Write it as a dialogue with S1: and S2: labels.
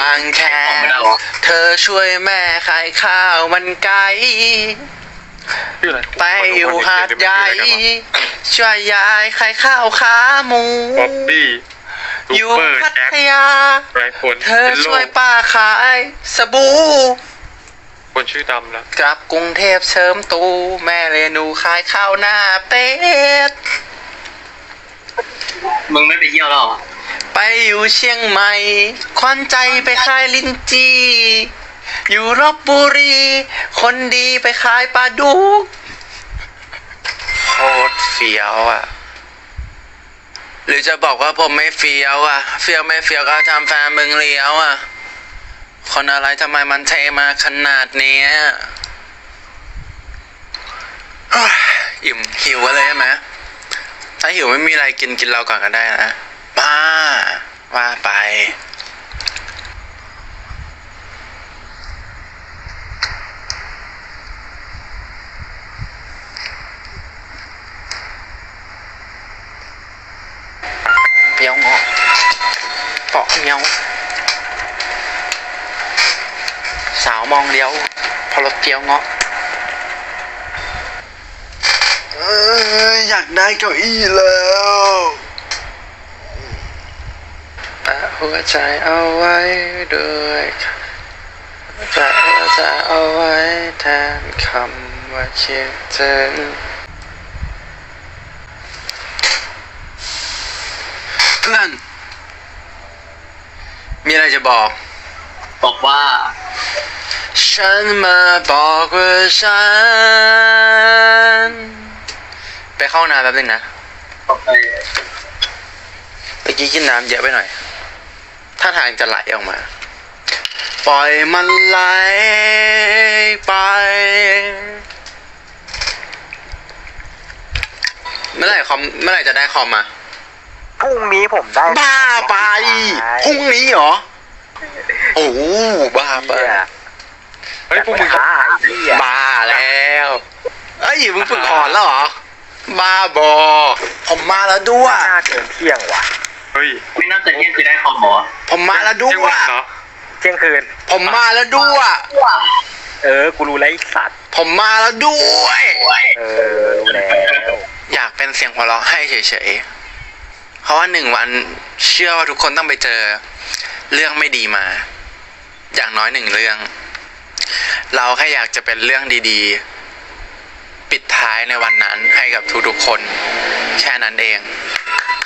S1: บางแคเธอช่วยแม่ขายข้าวมันไก่ไปอยู่หาดใหญ่ช่วยยายขายข้าวขาหมู
S2: บ๊อบบี้
S1: อยู่พัทยา
S2: คน
S1: เธอช่วยป้าขายสบู่
S2: คนชื่อดำแล้ว
S1: กลับกรุงเทพเสริมตูแม่เรนูขายข้าวหน้าเป็ด
S3: มึงไม่ไปเที่ยวหรอ
S1: ไปอยู่เชียงใหม่ควันใจไปขายลิ้นจี่อยู่ลพบุรีคนดีไปขายปลาดุกโคตรเฟี้ยวอ่ะหรือจะบอกว่าผมไม่เฟี้ยวอ่ะเฟี้ยวไม่เฟี้ยวก็ทำแฟนมึงเลี้ยวอ่ะคนอะไรทำไมมันเทมาขนาดนี้อิ่มหิวเลยใช่ไหมถ้าหิวไม่มีอะไรกินเราก่อนก็ได้นะบ้าว่าไปเปียวงอเปาะเมียวสาวมองเลี้ยวพอรถเปียวงออยากได้เก้าอี้แล้วแปะหัวใจเอาไว้ด้วยแปะหัวใจเอาไว้แทนคำว่าคิดถึงเพื่อนมีอะไรจะบอก
S3: ว่า
S1: ฉันมาบอกว่าฉันไปเข้าน้ำแป๊บนึงนะ
S3: โอเค
S1: เมื่อกี้กินน้ำเยอะไปหน่อยถ้าทางจะไหลออกมาปล่อยมันไหลไปเมื่อไหร่จะได้คอมมา
S4: พรุ่งนี้ผมได้
S1: บ้าไปพรุ่งนี้เหรอโอ้บ้าไป
S2: เฮ้ยพวกมึง
S1: บ้าแล้วเอ้ยมึงฝึกถอนแล้วเหรอบ้าบอผมมาแล้วด้วย
S4: น่าเกินเที่ยงว่ะ
S2: เฮ้ย
S3: ไม่น่าจะเที่ยงคือได้คอมหรอ
S1: ผมมาแล้วด้วย
S4: เที่ยงคืน
S1: ผมมาแล้วด้วย
S4: กูรู้แล้วไอ้สัตว์
S1: ผมมาแล้วด้วย
S4: รู้แล้ว
S1: อยากเป็นเสียงหัวเราะให้เฉยๆเพราะว่า1 วันเชื่อว่าทุกคนต้องไปเจอเรื่องไม่ดีมาอย่างน้อย1 เรื่องเราแค่อยากจะเป็นเรื่องดีๆปิดท้ายในวันนั้นให้กับทุกๆคนแค่นั้นเอง